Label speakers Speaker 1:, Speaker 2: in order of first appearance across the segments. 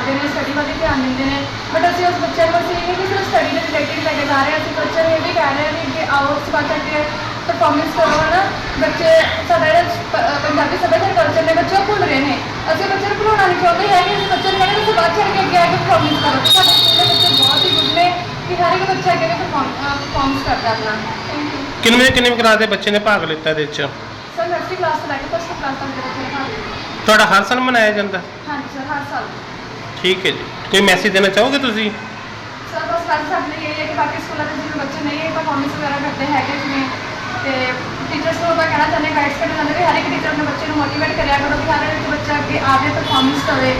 Speaker 1: पढ़ते हैं, स्टडी वाले ध्यान देते हैं। बट असं उस बच्चे को ये नहीं कि सिर्फ स्टडी के रिलेटेड लैके जा रहे हैं, असं बच्चे ये भी कह रहे हैं कि आओ इस बात करके परफॉर्मेंस करो है ना। बच्चे साढ़ा पंजाबी सभ्याचार कल्चर ने बच्चे भुल रहे हैं। असं बच्चे भुलाना नहीं चाहते हैं कि अस बच्चे कहते तुम बाहर चढ़ के अगे आके परफॉर्मेंस करो। तो साढ़े स्कूल के बच्चे बहुत ही गुड ने कि हर एक बच्चा अगे परफॉर्मेंस करता अपना। Thank you.
Speaker 2: किन्नी क्लास के बच्चे ने भाग लिता ਇਹਦੇ ਵਿੱਚ?
Speaker 1: सर नर्सरी क्लास से लैके फर्स्ट क्लास तक के बच्चे ने भाग लिया।
Speaker 2: ਤੁਹਾਡਾ ਹਰ ਸਾਲ ਮਨਾਇਆ ਜਾਂਦਾ?
Speaker 1: हाँ जी सर, हर साल।
Speaker 2: ठीक है जी। कोई मैसेज देना चाहोगे तुसी?
Speaker 1: सर बस साढ़े यही है कि बाकी स्कूलों के जिन्हें बच्चे नहीं परफॉर्मेंस वगैरह करते हैं जिसमें तो टीचर्स को मैं कहना चाहते गाइड्स करना चाहते हर एक टीचर अपने बच्चे को मोटिवेट करा करो कि हर एक बच्चा अगे आगे परफॉर्मेंस करे।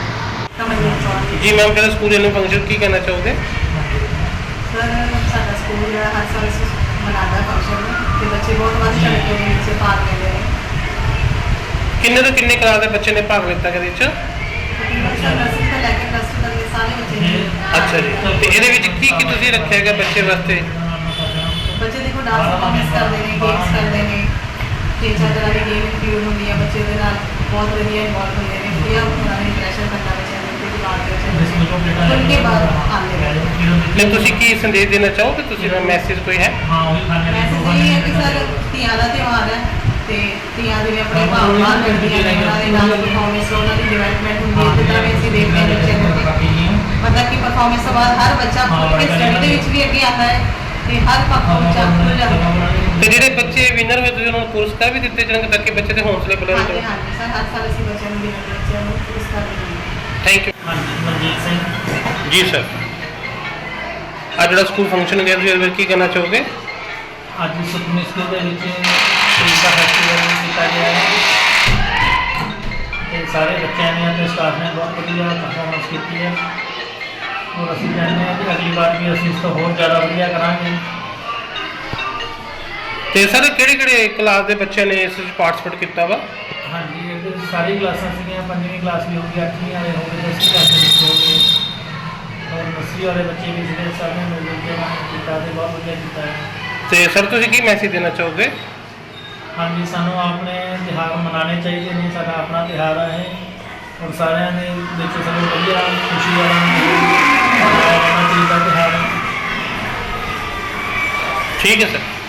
Speaker 2: जी मैम, कहते स्कूल एनुअल फंक्शन की कहना चाहोगे?
Speaker 3: सर साडा स्कूल हर साल मनाता फंक्शन ते बच्चे बहुत बढ़ चढ़ के नीचे भाग लेते हैं।
Speaker 2: किन्ने तो किन्ने क्लास के बच्चे ने भाग लिता ਇਹਦੇ ਵਿੱਚ?
Speaker 3: सर नर्सरी तो लैके प्लस टू तक के सारे बच्चे ने।
Speaker 2: अच्छा जी। तो ਇਹਦੇ ਵਿੱਚ ਕੀ ਤੁਸੀਂ ਰੱਖਿਆ ਹੈਗਾ ਬੱਚੇ ਵਾਸਤੇ?
Speaker 3: बच्चे देखो डांस परफॉर्मेंस करते हैं, गेम्स करते हैं, 3-4 तरह की गेम इंक्लूड होंगी है। बच्चे के नाल बहुत वधिया इन्वॉल्व होते हैं। ये उन्होंने इंप्रेशन करना बच्चों के बाद उनके बाद आते हैं।
Speaker 2: नहीं ਤੁਸੀਂ ਕੀ ਸੰਦੇਸ਼ ਦੇਣਾ ਚਾਹੋਗੇ? ਤੁਸੀਂ ਦਾ ਮੈਸੇਜ ਕੋਈ ਹੈ?
Speaker 3: मैसेज यही है कि सर ਧੀਆਂ ਦਾ ਤਿਉਹਾਰ है ਤੇ ਧੀਆਂ ਜਿਵੇਂ ਆਪਣੇ ਭਾਵ ਬਾਹਰ ਕੱਢਦੀਆਂ ਨੇ, ਉਹਨਾਂ ਦੇ ਨਾਲ ਪਰਫਾਰਮੈਂਸ ਉਹਨਾਂ ਦੀ ਡਿਵੈਲਪਮੈਂਟ ਹੁੰਦੀ ਹੈ। ਜਿੱਦਾਂ ਵੀ ਅਸੀਂ ਦੇਖਦੇ ਹਾਂ ਬੱਚਿਆਂ ਦੇ ਮਤਲਬ ਕਿ ਪਰਫਾਰਮੈਂਸ ਤੋਂ ਬਾਅਦ ਹਰ ਬੱਚਾ ਆਪਣੀ ਸਟੱਡੀ ਦੇ ਵਿੱਚ ਵੀ ਅੱਗੇ ਆਉਂਦਾ ਹੈ ਤੇ ਹਰ ਬੱਚਾ ਖੁੱਲ੍ਹ ਜਾਂਦਾ ਹੈ।
Speaker 2: ਤੇ ਜਿਹੜੇ ਬੱਚੇ ਵਿਨਰ ਹੋਏ ਤੁਸੀਂ ਉਹਨਾਂ ਨੂੰ ਪੁਰਸਕਾਰ ਵੀ ਦਿੱਤੇ ਜਾਣਗੇ ਤਾਂ ਕਿ ਬੱਚੇ ਦੇ ਹੌਸਲੇ ਬੁਲੰਦ
Speaker 3: ਹਾਂਜੀ
Speaker 2: ਹੋਣ।
Speaker 3: ਹਾਂਜੀ ਸਰ, ਹਰ ਸਾਲ ਅਸੀਂ ਬੱਚਿਆਂ ਨੂੰ ਬੱਚਿਆਂ ਨੂੰ ਪੁਰਸਕਾਰ ਦਿੰਦੇ ਹਾਂ।
Speaker 2: Thank you.
Speaker 4: ਮਨਜੀਤ ਸਿੰਘ
Speaker 2: ਜੀ ਸਰ, ਅੱਜ ਜਿਹੜਾ ਸਕੂਲ ਫੰਕਸ਼ਨ ਗਿਆ ਤੁਸੀਂ ਇਹਦੇ ਵਿੱਚ ਕੀ ਕਹਿਣਾ ਚਾਹੋਗੇ?
Speaker 4: ਅੱਜ ਸੁਖਮਨੀ ਸਕੂਲ ਦੇ ਵਿੱਚ ਸ਼ਹੀਦ ਦਾ ਫੈਸਟੀਵਲ ਕੀਤਾ ਗਿਆ ਹੈ ਤੇ ਸਾਰੇ ਬੱਚਿਆਂ ਨੇ ਅਤੇ ਸਟਾਫ ਨੇ ਬਹੁਤ ਵਧੀਆ ਪਰਫਾਰਮੈਂਸ ਕੀਤੀ ਹੈ ਔਰ ਅਸੀਂ ਚਾਹੁੰਦੇ ਹਾਂ ਕਿ ਅਗਲੀ ਵਾਰ ਵੀ ਅਸੀਂ ਇਸ ਤੋਂ ਹੋਰ ਜ਼ਿਆਦਾ ਵਧੀਆ ਕਰਾਂਗੇ।
Speaker 2: ਤੇ ਸਰ ਕਿਹੜੇ ਕਲਾਸ ਦੇ ਬੱਚਿਆਂ ਨੇ ਇਸ ਵਿੱਚ ਪਾਰਟਿਸਿਪੇਟ ਕੀਤਾ ਵਾ?
Speaker 4: ਹਾਂਜੀ, ਇਹਦੇ ਵਿੱਚ ਸਾਰੀ ਕਲਾਸਾਂ ਸੀਗੀਆਂ। 5ਵੀਂ ਕਲਾਸ ਵੀ ਹੋ ਗਈ, 8ਵੀਂ ਵਾਲੇ ਹੋ ਗਏ, 10ਵੀਂ ਕਲਾਸ ਦੇ ਵਿੱਚ ਹੋ ਗਏ ਔਰ 10ਵੀਂ ਵਾਲੇ ਬੱਚੇ ਵੀ ਜਿਹੜੇ ਸਾਰੇ ਮਿਲ ਜੁਲ ਕੇ ਉਹਨਾਂ ਨੇ ਕੀਤਾ ਤੇ ਬਹੁਤ ਵਧੀਆ ਕੀਤਾ ਹੈ।
Speaker 2: ਤੇ ਸਰ ਤੁਸੀਂ ਕੀ ਮੈਸੇਜ ਦੇਣਾ ਚਾਹੋਗੇ?
Speaker 4: ਹਾਂਜੀ, ਸਾਨੂੰ ਆਪਣੇ ਤਿਉਹਾਰ ਮਨਾਉਣੇ ਚਾਹੀਦੇ ਨੇ। ਸਾਡਾ ਆਪਣਾ ਤਿਉਹਾਰ ਹੈ ਔਰ ਸਾਰਿਆਂ ਦੇ ਵਿੱਚ ਸਾਨੂੰ ਵਧੀਆ ਖੁਸ਼ੀ ਵਾਲਾ ਮਨਾਉਣਾ ਚਾਹੀਦਾ ਤਿਉਹਾਰ।
Speaker 2: ਠੀਕ ਹੈ ਸਰ।